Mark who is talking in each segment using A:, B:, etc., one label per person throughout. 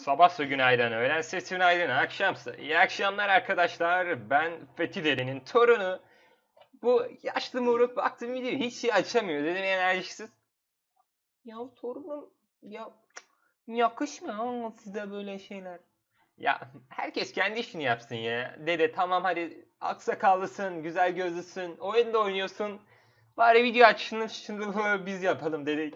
A: Sabahsa günaydın, öğlense günaydın, akşamsa iyi akşamlar arkadaşlar. Ben Fethi Dede'nin torunu. Bu yaşlı moruk baktım video hiç şey açamıyor. Dedim enerjisiz. Ya torunum ya yakışmıyor size böyle şeyler. Ya herkes kendi işini yapsın ya. Dede tamam hadi aksakallısın, güzel gözlüsün, oyunda oynuyorsun. Bari video açışını şunu biz yapalım dedik.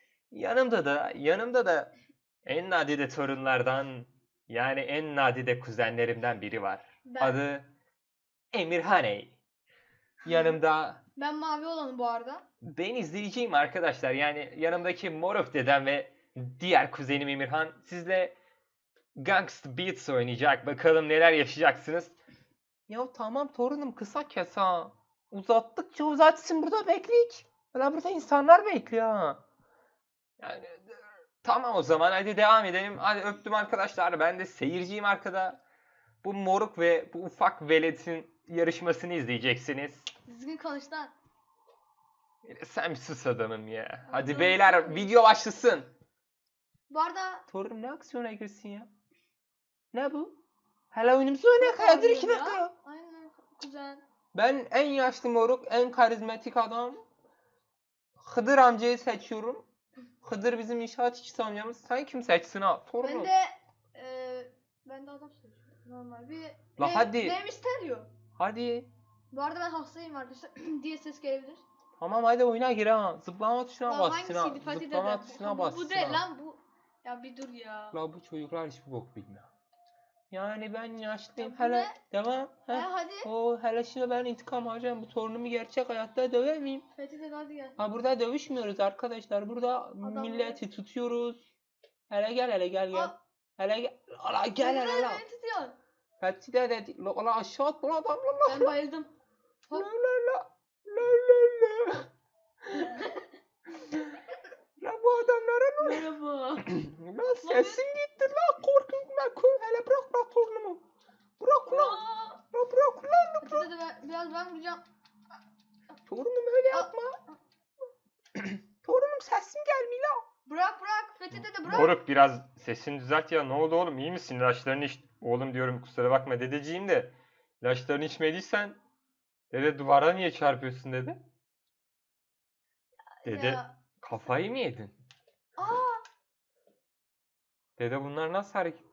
A: Yanımda da en nadide torunlardan yani en nadide kuzenlerimden biri var.
B: Ben.
A: Adı Emirhaney. Yanımda
B: Ben mavi olanım bu arada.
A: ben izleyeceğim arkadaşlar. Yani yanımdaki Moruk dedem ve diğer kuzenim Emirhan sizle Gangsta Beats oynayacak. Bakalım neler yaşayacaksınız. Ya tamam torunum kısa kes ha. Uzattıkça uzatsın burada bekleyik. Valla burada insanlar bekliyor ha. Yani tamam o zaman hadi devam edelim. Hadi öptüm arkadaşlar. Ben de seyirciyim arkada. Bu moruk ve bu ufak veletin yarışmasını izleyeceksiniz.
B: Düzgün konuş lan.
A: Sen bir sus adamım ya. Hadi
B: Dur,
A: beyler
B: dur.
A: video başlasın.
B: Bu arada
A: Torun ne aksiyona girsin ya? Ne bu? Hala oyunumuzu oynayalım. Ya dur 2 dakika ya.
B: Aynen kuzen.
A: Ben en yaşlı moruk, en karizmatik adam. Hıdır amcayı seçiyorum. Hıdır bizim inşaat işçisi amcamız. Sen kim seçsin ha? Torunum.
B: Ben de adam seçiyorum. Normal bir
A: La hadi.
B: Benim isteryo.
A: Hadi.
B: Bu arada ben hastayım arkadaşlar diye ses gelebilir.
A: Tamam hadi oyuna gir ha. Zıplama tuşuna
B: Lan
A: bas Sinan.
B: hangisiydi? Fatih
A: Zıplama
B: dede.
A: tuşuna bas
B: Bu değil
A: Sinan.
B: lan bu. Ya bir dur ya.
A: La bu çocuklar hiçbir bok bilmiyor. Yani ben yaşlıyım.
B: Ya bu
A: Hele
B: ne?
A: devam.
B: Hadi.
A: O hele şimdi ben intikam alacağım. Bu torunumu gerçek hayatta döver miyim?
B: Fatih dede hadi gel.
A: Ha burada dövüşmüyoruz arkadaşlar. Burada milleti tutuyoruz. Hele gel.
B: Aa.
A: Hele gel. Ala gel hele la.
B: Beni tutuyor.
A: Fethi de la aşağı at bu adam la.
B: Ben bayıldım.
A: La. La bu adamlara ne?
B: Merhaba.
A: La sesin gitti la korkutma. Hele bırak torunumu. Bırak ulan. La bırak ulan.
B: Fatih dede biraz ben vuracağım.
A: Torunum öyle yapma. Torunum sesim gelmiyor la.
B: Bırak. Fethi dede bırak.
A: Moruk biraz sesini düzelt ya. Ne oldu oğlum? İyi misin? İlaçlarını iç. Oğlum diyorum kusura bakma dedeciğim de. İlaçlarını içmediysen dede duvara niye çarpıyorsun dedi. Dede
B: Ya.
A: kafayı mı yedin?
B: Aa.
A: Dede bunlar nasıl hareket?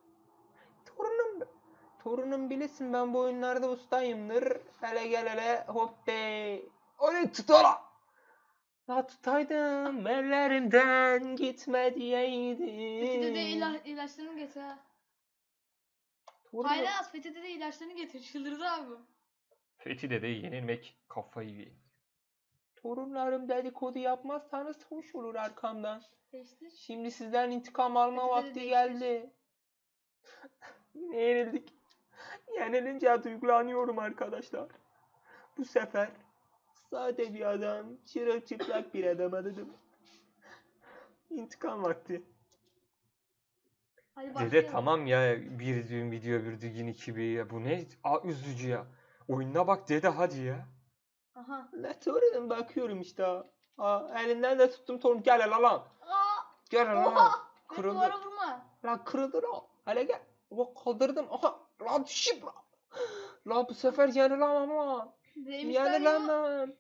A: Torunum bilesin ben bu oyunlarda ustayımdır. Hele gel hele hop de. Onu tut ola. Ya tutaydım ellerimden gitme diyeydim.
B: Fethi dede ilaçlarını getir ha. Hayır az Fethi dede ilaçlarını getir. Çıldırdı abi.
A: Fethi dedeyi yenilmek kafayı yedi. Torunlarım dedikodu yapmazsanız hoş olur arkamdan.
B: Değiştir.
A: Şimdi sizden intikam alma
B: Fethi dede
A: vakti
B: değiştir.
A: geldi. Yine yenildik. Yenilince duygulanıyorum arkadaşlar. Bu sefer sade bir adam, çırılçıplak bir adam dedim. İntikam vakti.
B: Hadi
A: Dede
B: başlayalım.
A: tamam ya bir düğün video bir düğün iki bir ya bu ne üzücü ya. Oyununa bak dede hadi ya.
B: Aha.
A: La torunum bakıyorum işte. Elinden de tuttum torun gel hele lan. Gel hele lan.
B: Oha.
A: Kırıldı.
B: Duvara vurma.
A: La kırıldı la. Hele gel. Bak kaldırdım. Aha. La düşüp la. La bu sefer yenilemem lan.
B: Benim isteryo.
A: Yenilemem.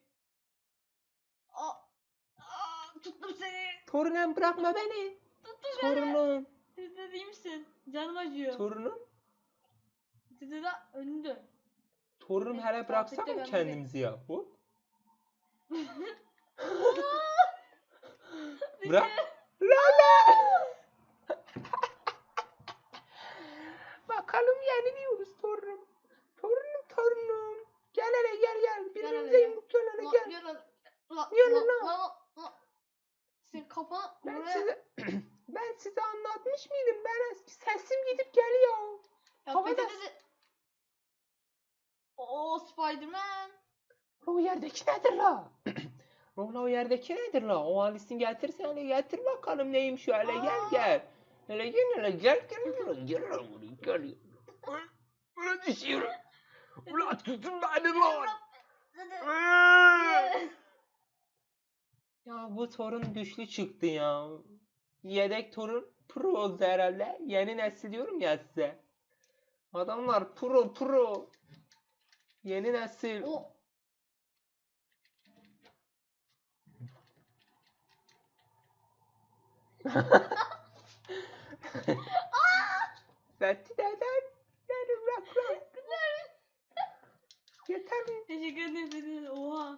B: Tuttum seni.
A: Torunum bırakma beni.
B: Tuttum seni.
A: Torunum.
B: Fethi dede iyi misin? Canım acıyor.
A: Torunum.
B: Fethi dede önünü dön.
A: Torunum
B: Evet,
A: hele bıraksana
B: ben
A: kendimizi ya. Hop. Bırak. La. Bakalım yeniliyoruz torunum. Torunum. Gel hele gel. Birbirimize
B: hele.
A: yumruk gel hele gel.
B: Yürü lan. Senin kafana
A: Ben size anlatmış mıydım? Ben sesim gidip geliyor.
B: Ya
A: Havada-
B: Fethi dede. Oo Spiderman.
A: O yerdeki nedir la? O yerdeki nedir la? O Alice'in getirsen hele getir bakalım neymiş şu hele gel. Hele gel. Gel. Ulan düşüyorum. Ulan tutun beni lan. Ya bu torun güçlü çıktı ya. Yedek torun pro herhalde. Yeni nesil diyorum ya size. Adamlar pro. Yeni nesil.
B: O
A: Fethi deden. Rak. Yeter mi?
B: teşekkür ederim. Oha.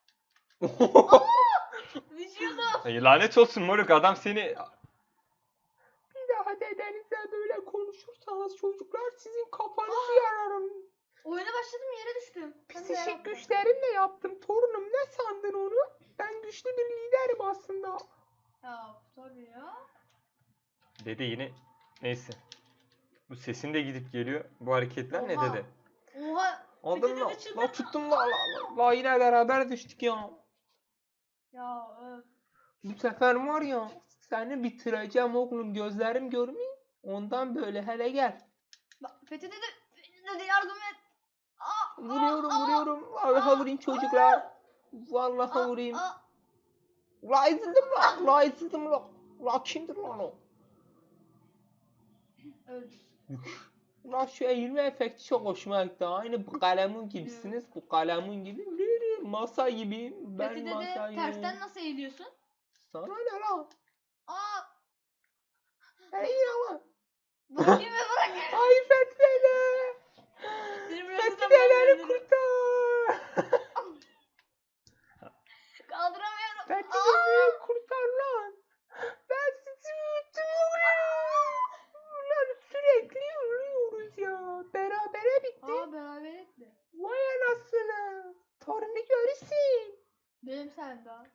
B: Düşüyordum.
A: Ay, lanet olsun moruk, adam seni... Bir daha dedenizle böyle konuşursanız çocuklar sizin kafanızı yararım.
B: Oyuna başladım yere düştüm. Ben de
A: Psikik
B: yaptım.
A: güçlerimle yaptım torunum, ne sandın onu? Ben güçlü bir liderim aslında.
B: Ya tabii ya.
A: Dede yine neyse. Bu sesin de gidip geliyor. Bu hareketler ne
B: Oha.
A: dede?
B: Oha.
A: Aldın
B: Fethi
A: mı?
B: dede çıldırdı.
A: La tuttum la yine beraber düştük ya.
B: Ya öf.
A: Bu sefer var ya seni bitireceğim oğlum, gözlerim görmüyor. Ondan böyle hele gel.
B: Bak Fethi dede yardım et. Aa,
A: Vuruyorum. Vallahi vurayım çocuklar. Vallahi vurayım. La ezildim la. La kimdir lan o?
B: Öldü.
A: La şu eğilme efekti çok hoşuma gitti. Aynı bu kalemun gibisiniz. Bu kalemun gibi. Masa gibi. Ben
B: Fethi dede
A: masayım.
B: tersten nasıl eğiliyorsun?
A: Sana ne lan?
B: Aa,
A: Eğil lan.
B: bırakayım ve bırak.
A: Ay Fethi dede.
B: Seni
A: Fethi
B: bırakırsam ben
A: dedeni
B: ölürüm.
A: kurtar.
B: Kaldıramıyorum.
A: Fethi dedeyi kurtar lan. Ben sizi unuttum oğlum. Ulan sürekli ölüyoruz ya. Berabere bitti.
B: Aa beraber etti.
A: Vay anasını. Torunu görürsün.
B: Benim sen daha.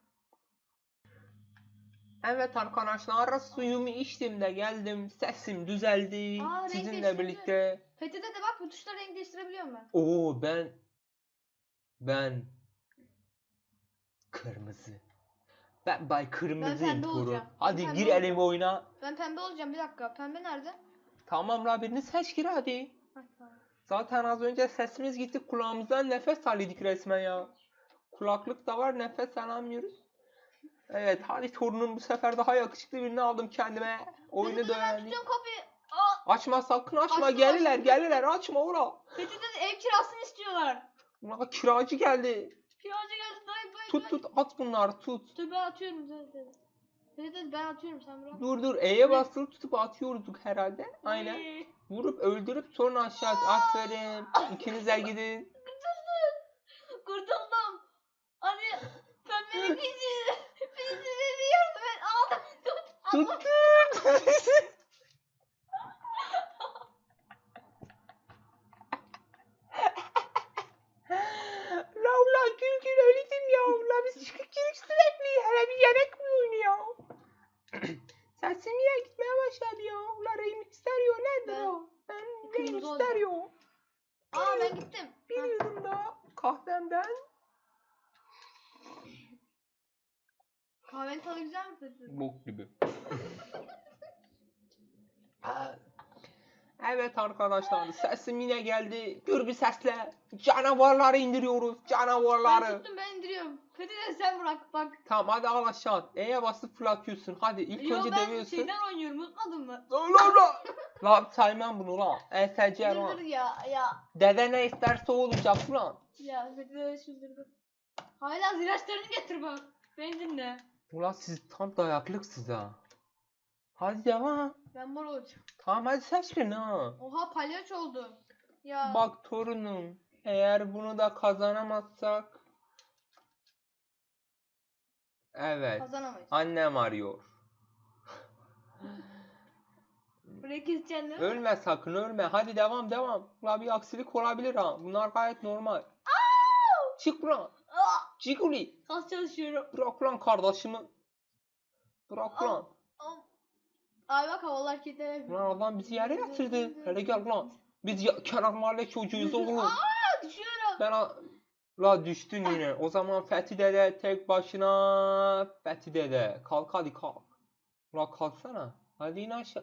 A: Evet arkadaşlar, suyumu içtim de geldim. Sesim düzeldi.
B: Aa, renk
A: Sizinle
B: değiştirdi.
A: birlikte.
B: Fethi dede bak bu tuşla renk değiştirebiliyorum ben.
A: Oo ben kırmızı. Ben bay kırmızıyım
B: pembe
A: Torun.
B: olacağım.
A: Hadi
B: Ben pembe
A: girelim
B: olacağım.
A: oyuna.
B: Ben pembe olacağım bir dakika. Pembe nerede?
A: Tamam la, birini seç gir hadi.
B: Heh, tamam.
A: Zaten az önce sesimiz gitti, kulağımızdan nefes alıyorduk resmen ya. Kulaklık da var, nefes alamıyoruz. Evet hadi Torunum, bu sefer daha yakışıklı birini aldım kendime. Oyunu
B: Fethi dede ben
A: öğrendim.
B: tutuyorum kapıyı. Aa,
A: Açma, sakın açma,
B: Açtım,
A: gelirler açma ora.
B: Fethi dede ev kirasını istiyorlar.
A: Ulan kiracı geldi.
B: Kiracı geldi dayı.
A: Tut at bunları tut.
B: Dur ben atıyorum Fethi dede. Fethi dede ben atıyorum sen bırak.
A: Dur E'ye basılı tutup atıyorduk herhalde. Aynen.
B: Ay,
A: Vurup öldürüp sonra aşağı at. Aferin. İkiniz de gidin.
B: kurtuldum. Hadi pembenin bizi. Bizi beni yardım et. Aldım tut.
A: Tuttum. La gül öldüm ya. La biz çıkıp sürekli. Hele bir yemek mi oynuyor? Sesim niye gitmeye başladı ya? La remixler yo nedir
B: Ben-
A: o? Ben
B: Kırmızı
A: remixler
B: olacağım.
A: yo.
B: Aa ben gittim. Ha.
A: Biliyorum da kahvemden.
B: Kahvenin tadı güzel mi Fethi dede?
A: Bok gibi. Evet arkadaşlar, sesim yine geldi. Gür bir sesle canavarları indiriyoruz.
B: Ben
A: Canavarları.
B: tuttum ben indiriyorum. Fethi dede sen bırak bak.
A: Tamam hadi al aşağı. E'ye basıp fırlatıyorsun. Hadi ilk
B: Yo
A: önce
B: ben
A: dövüyorsun.
B: şeyden oynuyorum unutmadın mı?
A: La saymam bunu lan. ESC
B: Dur
A: lan.
B: ya.
A: Dede ne isterse o olacak lan.
B: Ya Fethi dede çıldırdı. Hala ziraçlarını getir bak. Beni dinle.
A: Ulan siz tam dayaklıksınız ha. Hadi devam.
B: Ben mor olacağım.
A: Tamam hadi seç birini ha.
B: Oha palyaço oldu. Ya.
A: Bak torunum, eğer bunu da kazanamazsak, evet,
B: Kazanamayız.
A: annem arıyor.
B: Burayı keseceksin değil mi?
A: Ölme sakın, ölme. Hadi devam. La bir aksilik olabilir ha. Bunlar gayet normal. Çık lan.
B: Aa,
A: Ciguli.
B: kas çalışıyorum.
A: Bırak lan kardeşimi. Bırak lan.
B: Ay bak havalar hareketler.
A: Lan adam bizi yere yatırdı. Hele gel lan. Biz kenar mahalle çocuğuyuz oğlum.
B: Aa, düşüyorum.
A: La düştün yine. O zaman Fethi dede tek başına. Fethi dede. Kalk hadi kalk. La kalksana. Hadi in aşağı.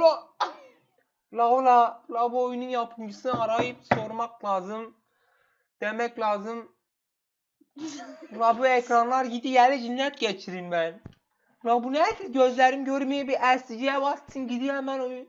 A: La bu oyunun yapımcısını arayıp sormak lazım. Demek lazım. La bu ekranlar gidi yere cinnet geçirin ben.
C: La bu ne? Gözlerim görmeye bir LCD'ye bastın gidiyor hemen oyun.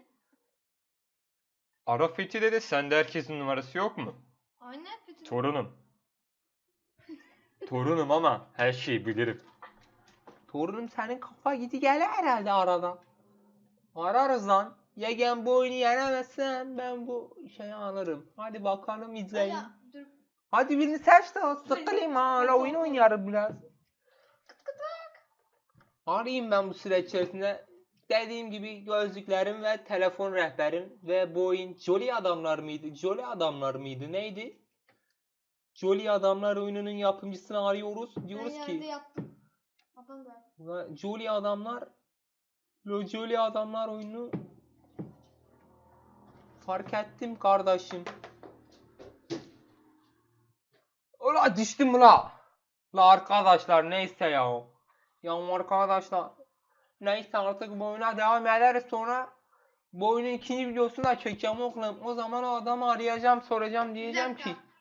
A: Ara Fethi dede, sende herkesin numarası yok mu?
B: Aynen Fethi.
A: Torunum. Torunum ama her şeyi bilirim.
C: Torunum senin kafa gidi gelir herhalde aradan. Ararız lan. Yegen bu oyunu yenemezsen ben bu şeyi alırım. Hadi bakalım izleyin.
B: Ya dur.
C: Hadi birini seç de sıkılayım ha. La oyun oynarım biraz. Arayayım ben bu süre içerisinde. Dediğim gibi gözlüklerim ve telefon rehberim ve bu oyun Jolly Adamlar mıydı? Jolly Adamlar mıydı? Neydi? Jolly Adamlar oyununun yapımcısını arıyoruz. Diyoruz
B: Ben yerde
C: ki
B: yattım. Adam da.
C: Jolly Adamlar Jolly Adamlar oyunu fark ettim kardeşim. Ula düştüm ula. La arkadaşlar neyse ya. Ya arkadaşlar. Neyse artık bu oyuna devam ederiz sonra. Bu oyunun ikinci videosunu da çekeceğim oğlum. O zaman o adamı arayacağım soracağım
B: Bir
C: diyeceğim
B: dakika.
C: ki.